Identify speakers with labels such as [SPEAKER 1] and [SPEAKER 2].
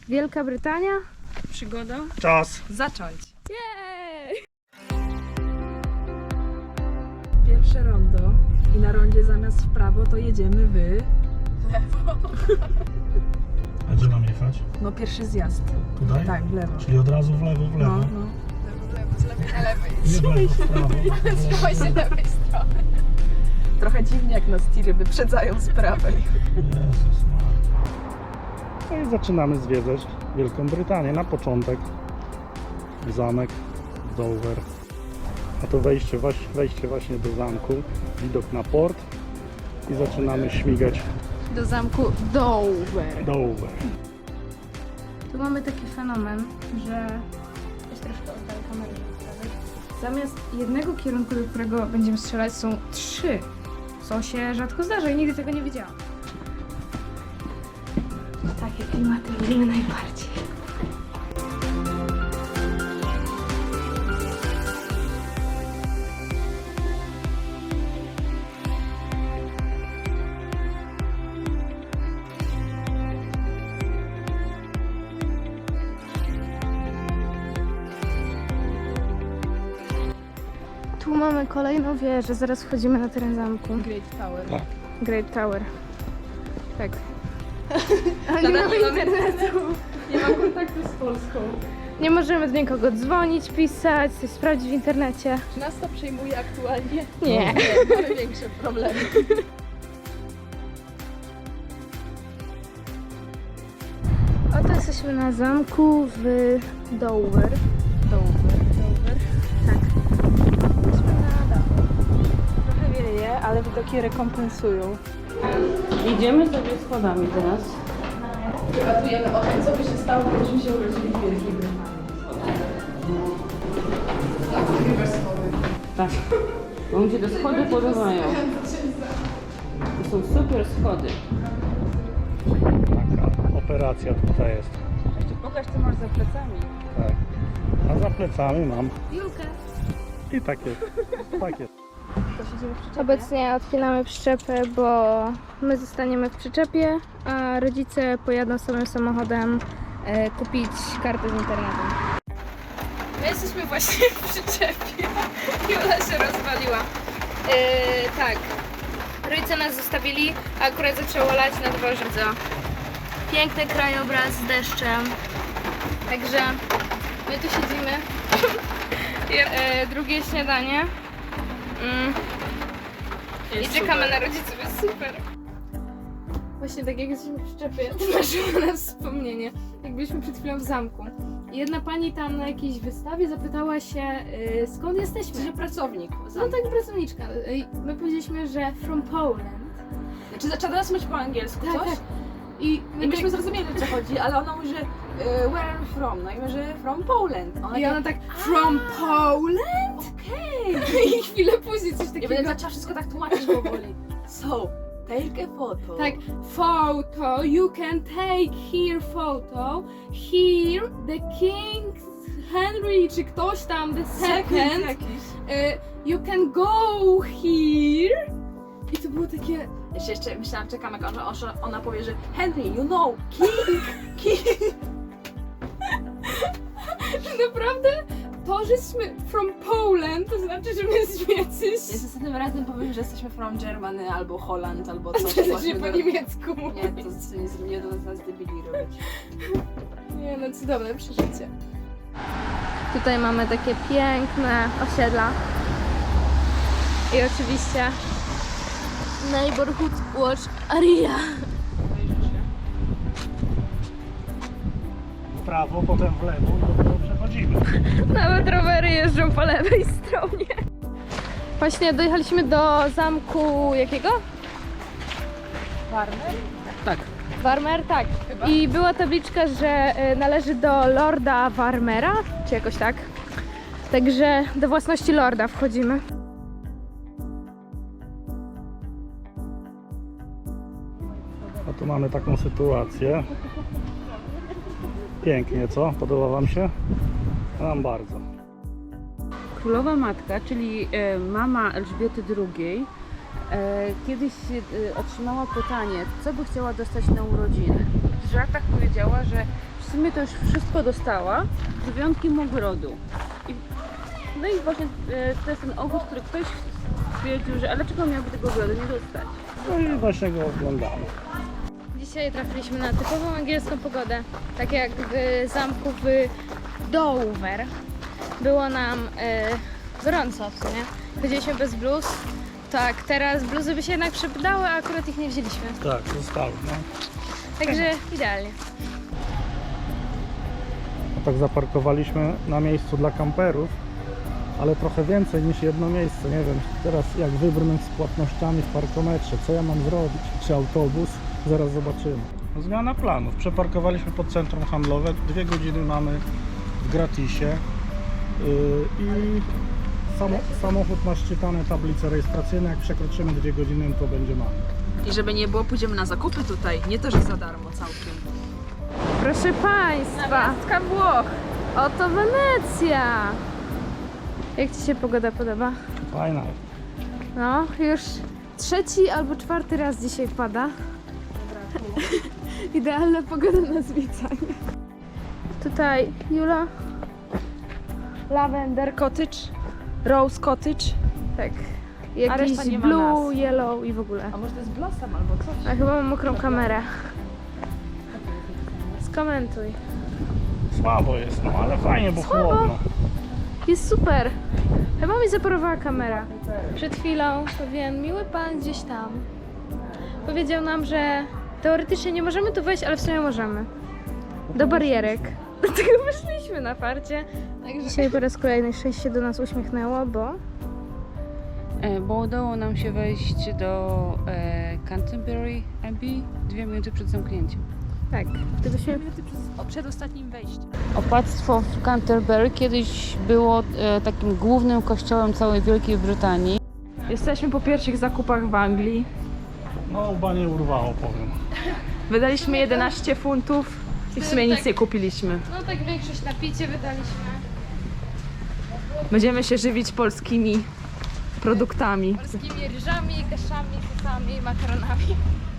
[SPEAKER 1] Wielka Brytania.
[SPEAKER 2] Przygoda.
[SPEAKER 3] Czas.
[SPEAKER 2] Zacząć.
[SPEAKER 1] Jej!
[SPEAKER 2] Pierwsze rondo i na rondzie zamiast w prawo to jedziemy w lewo.
[SPEAKER 3] A gdzie mam jechać?
[SPEAKER 2] No pierwszy zjazd.
[SPEAKER 3] Tutaj?
[SPEAKER 2] Tak, w lewo.
[SPEAKER 3] Czyli od razu w lewo, w lewo.
[SPEAKER 2] No.
[SPEAKER 4] Z lewej na lewej.
[SPEAKER 3] Nie w lewo, w prawo.
[SPEAKER 4] Trzymaj się lewej strony.
[SPEAKER 2] Trochę dziwnie jak nas tiry wyprzedzają z prawej.
[SPEAKER 3] Jezus Maria. No i zaczynamy zwiedzać Wielką Brytanię. Na początek zamek Dover. A to wejście właśnie do zamku. Widok na port. I zaczynamy śmigać
[SPEAKER 1] Do zamku Dover.
[SPEAKER 3] Dover.
[SPEAKER 1] Tu mamy taki fenomen, że... Weź troszkę oddal kamerę. Zamiast jednego kierunku, do którego będziemy strzelać, są 3. Co się rzadko zdarza i nigdy tego nie widziałam. Takie klimaty lubimy najbardziej. Tu mamy kolejną wieżę, zaraz wchodzimy na teren zamku.
[SPEAKER 2] Great Tower.
[SPEAKER 3] Tak.
[SPEAKER 1] Great Tower. Tak. Ale nie mamy internetu.
[SPEAKER 2] Nie mam kontaktu z Polską.
[SPEAKER 1] Nie możemy do nikogo dzwonić, pisać, coś sprawdzić w internecie.
[SPEAKER 2] Czy nas to przejmuje aktualnie?
[SPEAKER 1] Nie.
[SPEAKER 2] Mamy większe problemy.
[SPEAKER 1] Oto jesteśmy na zamku w Dover.
[SPEAKER 2] Dover.
[SPEAKER 1] Tak.
[SPEAKER 2] Jesteśmy na dachu. Trochę wieje, ale widoki rekompensują.
[SPEAKER 5] Idziemy sobie schodami teraz.
[SPEAKER 2] Debatujemy o tym, co by się stało, gdybyśmy się urodzili w Wielkiej Brytanii.
[SPEAKER 5] Tak. Bo mi się te schody podobają. To są super schody.
[SPEAKER 3] Taka operacja tutaj jest.
[SPEAKER 5] Jeszcze pokaż, co masz za plecami.
[SPEAKER 3] Tak. A za plecami mam
[SPEAKER 1] Julkę.
[SPEAKER 3] i takie.
[SPEAKER 1] Obecnie odpinamy przyczepę, bo my zostaniemy w przyczepie, a rodzice pojadą swoim samochodem kupić kartę z internetem. My jesteśmy właśnie w przyczepie. Jula się rozwaliła. Tak. Rodzice nas zostawili, a akurat zaczęło lać na dworze. Piękny krajobraz z deszczem. Także my tu siedzimy. Drugie śniadanie. I czekamy na rodziców, jest super. Właśnie tak jak jesteśmy w przyczepie, to naszło nas wspomnienie, jak byliśmy przed chwilą w zamku. I jedna pani tam na jakiejś wystawie zapytała się, skąd jesteśmy.
[SPEAKER 2] Że pracownik.
[SPEAKER 1] No tak, pracowniczka. I my powiedzieliśmy, że from Poland.
[SPEAKER 2] Znaczy zaczęła nas mówić po angielsku
[SPEAKER 1] Tak,
[SPEAKER 2] coś.
[SPEAKER 1] tak.
[SPEAKER 2] I myśmy zrozumieli, o co chodzi, ale ona mówi, że where are you from? No i my, że from Poland.
[SPEAKER 1] I ona tak, from Poland?
[SPEAKER 2] Okej.
[SPEAKER 1] I chwilę później coś
[SPEAKER 2] Ja
[SPEAKER 1] takiego.
[SPEAKER 2] będę zaczęła wszystko tak tłumaczyć powoli. So, take a photo.
[SPEAKER 1] Tak, photo, you can take here photo, here the king Henry, czy ktoś tam, the second,
[SPEAKER 2] jakiś.
[SPEAKER 1] you can go here. I to było takie,
[SPEAKER 2] Jeszcze myślałam, czekam jak ona powie, że Henry, you know, king.
[SPEAKER 1] naprawdę, to, żeśmy from Poland, to znaczy, że my z jacyś...
[SPEAKER 2] Więc następnym razem powiem, że jesteśmy from Germany, albo Holland, albo
[SPEAKER 1] To
[SPEAKER 2] coś.
[SPEAKER 1] się po niemiecku mówi.
[SPEAKER 2] Nie, to nie do nas debili robić.
[SPEAKER 1] Nie no, cudowne przeżycie. Tutaj mamy takie piękne osiedla. I oczywiście Neighborhood Watch Area.
[SPEAKER 3] W prawo, potem w lewo i dopiero przechodzimy.
[SPEAKER 1] Nawet rowery jeżdżą po lewej stronie. Właśnie dojechaliśmy do zamku jakiego?
[SPEAKER 2] Warner?
[SPEAKER 5] Tak.
[SPEAKER 1] Warmer, tak. I była tabliczka, że należy do Lorda Warmera, czy jakoś tak. Także do własności Lorda wchodzimy.
[SPEAKER 3] A tu mamy taką sytuację. Pięknie, co? Podoba wam się? Nam bardzo.
[SPEAKER 5] Królowa Matka, czyli mama Elżbiety II, kiedyś otrzymała pytanie, co by chciała dostać na urodziny. W żartach powiedziała, że w sumie to już wszystko dostała, z wyjątkiem ogrodu. No i właśnie to jest ten ogród, który ktoś stwierdził, że ale dlaczego miałby tego ogrodu nie dostać?
[SPEAKER 3] No i właśnie go oglądamy.
[SPEAKER 1] Dzisiaj trafiliśmy na typową angielską pogodę, tak jak w zamku w Dover. Było nam gorąco w sumie. Chodziliśmy bez bluz. Tak, teraz bluzy by się jednak przydały, a akurat ich nie wzięliśmy.
[SPEAKER 3] Tak, zostały, no.
[SPEAKER 1] Także idealnie.
[SPEAKER 3] No tak zaparkowaliśmy na miejscu dla kamperów, ale trochę więcej niż jedno miejsce. Nie wiem, teraz jak wybrnąć z płatnościami w parkometrze, co ja mam zrobić? Czy autobus? Zaraz zobaczymy. No, zmiana planów. Przeparkowaliśmy pod centrum handlowe. 2 godziny mamy w gratisie i samochód ma szczytane tablice rejestracyjne. Jak przekroczymy 2 godziny, to będzie mamy.
[SPEAKER 2] I żeby nie było, pójdziemy na zakupy tutaj. Nie to, że za darmo całkiem.
[SPEAKER 1] Proszę Państwa,
[SPEAKER 2] Namiastka Włoch.
[SPEAKER 1] oto Wenecja. Jak Ci się pogoda podoba?
[SPEAKER 3] Fajna.
[SPEAKER 1] No, już 3. albo 4. raz dzisiaj pada. Idealna pogoda na zwiedzanie. Tutaj Jula.
[SPEAKER 2] Lavender Cottage, Rose Cottage.
[SPEAKER 1] Tak.
[SPEAKER 2] A reszta
[SPEAKER 1] Jakiś
[SPEAKER 2] nie ma
[SPEAKER 1] blue,
[SPEAKER 2] nazw.
[SPEAKER 1] yellow i w ogóle.
[SPEAKER 2] A może to jest Blossom albo coś?
[SPEAKER 1] A chyba mam mokrą kamerę. Skomentuj.
[SPEAKER 3] Słabo jest, no ale fajnie, bo
[SPEAKER 1] Słabo?
[SPEAKER 3] chłodno.
[SPEAKER 1] Jest super. Chyba mi zaparowała kamera. Przed chwilą pewien miły pan gdzieś tam powiedział nam, że teoretycznie nie możemy tu wejść, ale w sumie możemy. Do barierek. Dlatego wyszliśmy na farcie. Dzisiaj po raz kolejny szczęście się do nas uśmiechnęło, bo
[SPEAKER 5] Bo udało nam się wejść do Canterbury Abbey 2 minuty przed zamknięciem.
[SPEAKER 1] tak, gdybyśmy
[SPEAKER 2] Przed ostatnim wejściem.
[SPEAKER 5] Opactwo w Canterbury kiedyś było takim głównym kościołem całej Wielkiej Brytanii.
[SPEAKER 2] Jesteśmy po pierwszych zakupach w Anglii.
[SPEAKER 3] No łba nie urwało, powiem.
[SPEAKER 2] Wydaliśmy 11 funtów i w sumie nic nie kupiliśmy.
[SPEAKER 1] no tak większość na picie wydaliśmy.
[SPEAKER 2] Będziemy się żywić polskimi produktami.
[SPEAKER 1] Polskimi ryżami, kaszami, sosami, makaronami.